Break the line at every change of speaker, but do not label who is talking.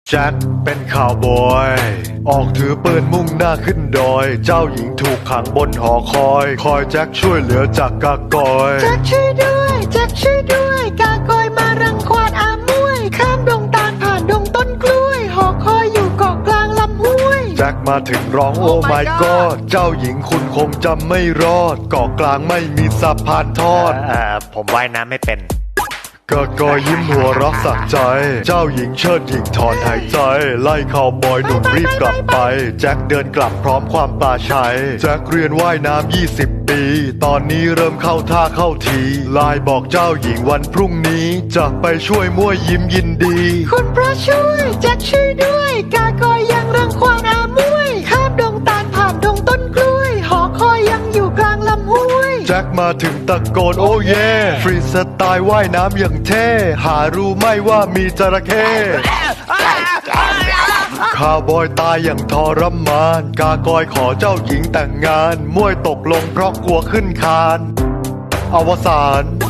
แจ็คเป็นข่าวบอยออกถือปืนมุ่งหน้าขึ้นดอยเจ้าหญิงถูกขังบนหอคอยแจ็คช่วยเหลือจากกากอย
แจ็คช่วยด้วยแจ็คช่วยด้วยกากอยมารังควานอามวยข้ามดงตาลผ่านดงต้นกล้วยหอคอยอยู่เกาะกลางลำห้วย
แจ็คมาถึงร้องโอ้ my god เจ้าหญิงคุณคงจำไม่รอดเกาะกลางไม่มีสะพานทอด
ผมว่ายน้ำไม่เป็น
กากอยยิ้มหัวเรักสักใจเจ้าหญิงเชิดหญิงถอนหายใจไล่ข่าวบอยหนุ่มรีบกลับไปแจ็คเดินกลับพร้อมความปลาชัยแจ็คเรียนว่ายน้ำ20 ปีตอนนี้เริ่มเข้าท่าเข้าทีไลน์บอกเจ้าหญิงวันพรุ่งนี้จะไปช่วยมั่วยิ้มยินดี
คุณพระช่วยแจ็คช่วยด้วยกากอยยังรังควานอามวยข้ามดงตาลผ่านดงต้นกล้วยหอคอยยังอยู่กลางลำห้วย
แจ็คมาถึงตะโกนโอ้เย่ฟรีสไตล์ว่ายน้ำอย่างเท่หารู้ไหมว่ามีจระเข้ข้าวบอยตายอย่างทรมานกากอยขอเจ้าหญิงแต่งงานมวยตกลงเพราะกลัวขึ้นคานอวสาน